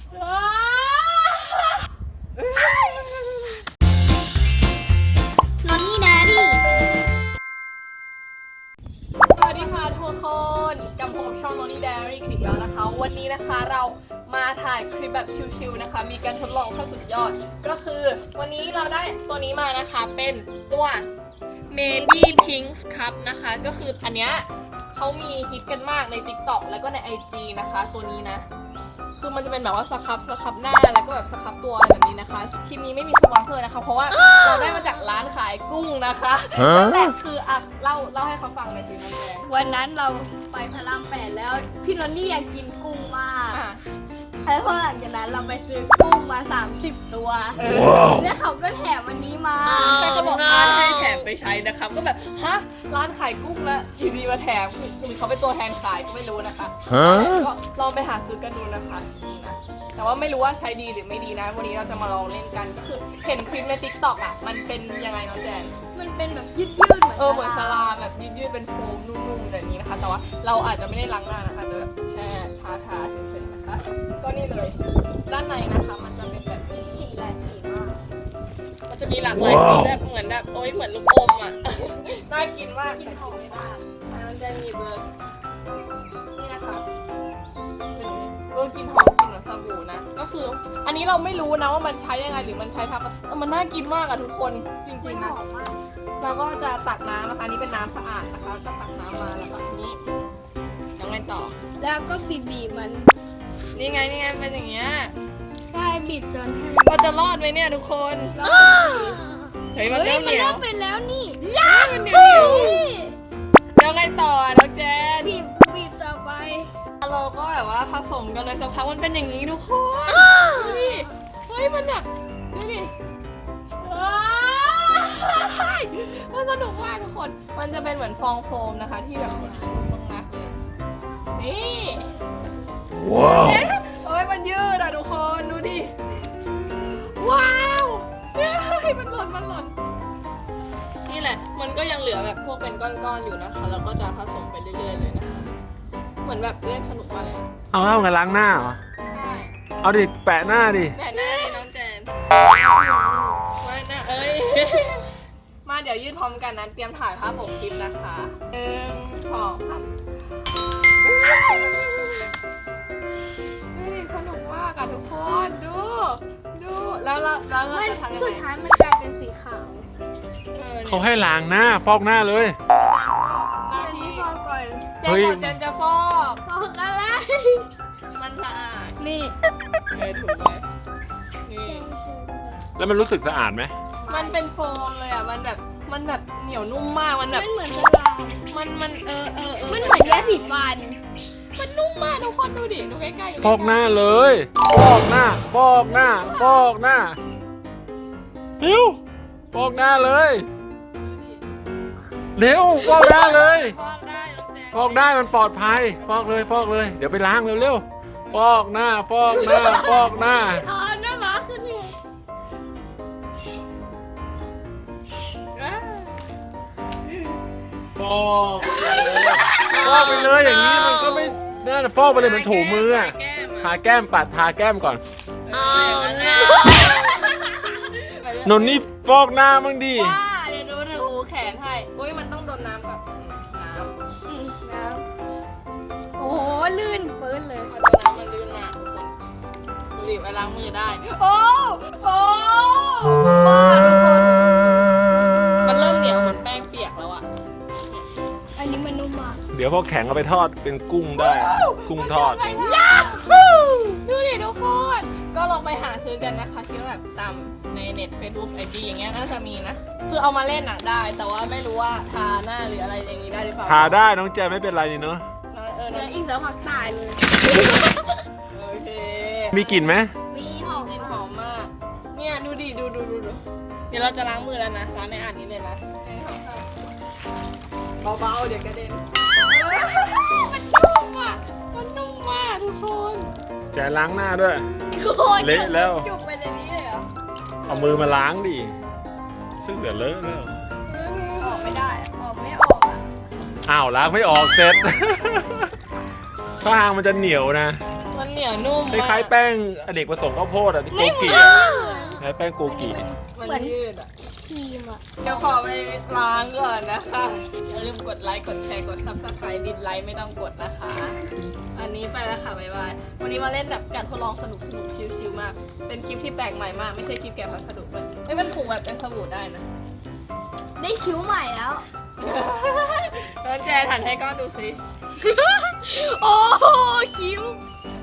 นอนนี่แดรี่สวัสดีค่ะทุกคนกลับมาพบช่อง Noni Diary กันอีกแล้วนะคะวันนี้นะคะเรามาถ่ายคลิปแบบชิลๆนะคะมีการทดลองขั้นสุดยอดก็คือวันนี้เราได้ตัวนี้มานะคะเป็นตัว Maybe Pinks Cup นะคะก็คืออันเนี้ยเขามีฮิตกันมากใน TikTok แล้วก็ใน IG นะคะตัวนี้นะคือมันจะเป็นแบบว่าสครับหน้าแล้วก็แบบสครับตัวอะไรแบบนี้นะคะคลิปนี้ไม่มีสปอนเซอร์นะคะเพราะว่าเราได้มาจากร้านขายกุ้งนะคะนั่นแหละคืออ่ะเล่าให้เขาฟังหน่อยสิน้องแดงวันนั้นเราไปพระราม8แล้วพี่นนนี่อยากกินกุ้งมากอ่ะแล้วพอหลังจากนั้นเราไปซื้อกุ้งมา30ตัวแล้วเขาก็แถมอันนี้มาใช่เขาบอกร้านให้แถมไปใช้นะครับก็แบบฮะร้านขายกุ้งแล้วอยู่ดีมาแถมหรือเขาเป็นตัวแทนขายก็ไม่รู้นะคะก็ลองไปหาซื้อกันดูนะคะนี่นะแต่ว่าไม่รู้ว่าใช้ดีหรือไม่ดีนะวันนี้เราจะมาลองเล่นกันก็คือเห็นคลิปใน TikTok อ่ะมันเป็นยังไงน้องแจนมันเป็นแบบยืดๆเหมือนเหมือนสลาแบบยืดๆเป็นโฟมนุ่มๆแบบนี้นะคะ แต่ว่าเราอาจจะไม่ได้ล้างหน้านะคะอาจจะแบบแค่ทาเฉยๆนะคะก็นี่เลยด้านในนะคะมันจะเป็นแบบนี้สีหลายสีมากมันจะมีหลากหลายสีแบบเหมือนแบบโอ๊ยเหมือนลูกอมอ่ะ น่ากินมากกินหอมไม่ได้มันจะมีเบอร์นี่นะคะเป็นกลิ่นหอมกลิ่นเหมือนสบู่นะก็คืออันนี้เราไม่รู้นะว่ามันใช้ยังไงหรือมันใช้ทำแต่มันน่ากินมากอะทุกคนจริงๆนะหอมมากเราก็จะตักน้ำนะคะนี่เป็นน้ำสะอาดนะคะก็ตักน้ำมาแล้วก็นี้ยังไงต่อแล้วก็บีบมันนี่ไงเป็นอย่างเงี้ยใช่บีบจนให้เราจะรอดไหมเนี่ยทุกคนแล้วเฮ้ยมันเริ่มเหนียวเริ่มเป็นแล้วนี่มันเหนียวยังไงต่อน้องแจนบีบต่อไปเราก็แบบว่าผสมกันเลยสักพักมันเป็นอย่างนี้ทุกคนดูดิเฮ้ยมันแบบดูดิมันสนุกมากทุกคนมันจะเป็นเหมือนฟองโฟมนะคะที่แบบหนานุ่มมากๆเลยนี่ว้าวโอ้ยมันยืดอ่ะทุกคนดูดิว้าวเฮ้ยมันหล่นนี่แหละมันก็ยังเหลือแบบพวกเป็นก้อนๆอยู่นะคะแล้วก็จะผสมไปเรื่อยๆเลยนะคะเหมือนแบบเล่นสนุกมาเลยเอาแล้วไงล้างหน้าเหรอใช่เอาดิแปะหน้าดิแบบหน้าดิน้องแจนมาหน้าเอ้ย มาเดี๋ยวยืดพร้อมกันนะเตรียมถ่ายภาพปกคลิปนะคะ1 2 3นี่สนุกมากอะทุกคนดูแล้วเราจะมันทำยังสุดไงท้ายมันกลายเป็นสีขาวเขาให้ล้างหน้าฟอกหน้าเลยหน้าอันที่นี้พอก่อนเจนบอกเจนจะฟอกพออะไรมันสะอาดนี่ถูกไหมนี่แล้วมันรู้สึกสะอาดไหมมันเป็นโฟมเลยอะมันแบบเหนียวนุ่มมากมันแบบมันเหมือนสลามมันมันมันเหมือนยาสีฟันมันนุ่มมากทุกคนดูดิดูใกล้ๆดูใกล้ๆฟอกหน้าเลย ฟอกหน้าเร็วฟอกหน้าเลยดูดิเร็วฟอกหน้าเลยฟอกได้น้องแจงฟอกได้มันปลอดภัย ฟอกเลยเดี๋ยวไปล้างเร็วๆฟอกหน้าเอาหน้าม้าขึ้นนี่อ่าฟอกไปเลยอย่างนี้มันก็ไม่น่าจะฟอกไปเลยมันถูมืออะทาแก้มทาแก้มก่อนอย่างนั้นแหละนนนี่ฟอกหน้าบ้างดิว่าเดี๋ยวดูนะหูแขนให้อุ้ยมันต้องโดนน้ำกับน้น้ำโอ้โหลื่นปื้นเลยำพอโดนน้ำมันลื่นมากทุกคนดูดิไปล้างมือได้ โอ้บ้าทุกคนมันเริ่มเหนียวเหมือนแป้งเปียกแล้วอะอันนี้มันนุ่มมากเดี๋ยวพอแข็งเอาไปทอดเป็นกุ้งได้ กุ้งทอดดูดิทุกคนก็ลองไปหาซื้อกันนะคะที่แบบตามในเน็ต Facebook IG อย่างเงี้ยน่าจะมีนะคือเอามาเล่นหนักได้ แต่ว่าไม่รู้ว่าทาหน้าหรืออะไรอย่างนี้ได้หรือเปล่าทาได้น้องแจไม่เป็นไรนี่เนาะเดี๋ยวอีกสักพักตายเลยโอเคมีกลิ่นไหมมีหอมกลิ่นหอมมากเนี่ยดูดิดูเดี๋ยวเราจะล้างมือแล้วนะล้างในอ่านนี้เลยนะเบาๆเดี๋ยวกระเด็นมันนุ่มอ่ะทุกคนแจล้างหน้าด้วยโคตรเละแล้วจุกไปในนี้เลยเหรอเอามือมาล้างดิซึ่งเดี๋ยวเลอะแล้วออกไม่ได้ออกไม่ออกอ่ะอ้าวล้างไม่ออกเสร็จ ถ้าทางมันจะเหนียวนะมันเหนียวนุ่มคล้ายๆแป้งอเนกประสงค์ข้าวโพดอ่ะที่โกกิคล้ายแป้งโกกิมันยืดอ่ะครีมอ่ะเดี๋ยวขอไปล้างก่อนนะคะ อย่าลืมกดไลค์ กดแชร์ กด subscribe ดิสไลค์ไม่ต้องกดนะคะ อันนี้ไปแล้วค่ะ บ๊ายบาย วันนี้มาเล่นแบบการทดลองสนุกชิลๆมาก เป็นคลิปที่แปลกใหม่มาก ไม่ใช่คลิปแกะพัสดุเลยเฮ้ยมันถูกแบบเป็นสบู่ได้นะได้คิ้วใหม่แล้วแล้วแจหันให้ก้อนดูสิโอ้โหคิ้ว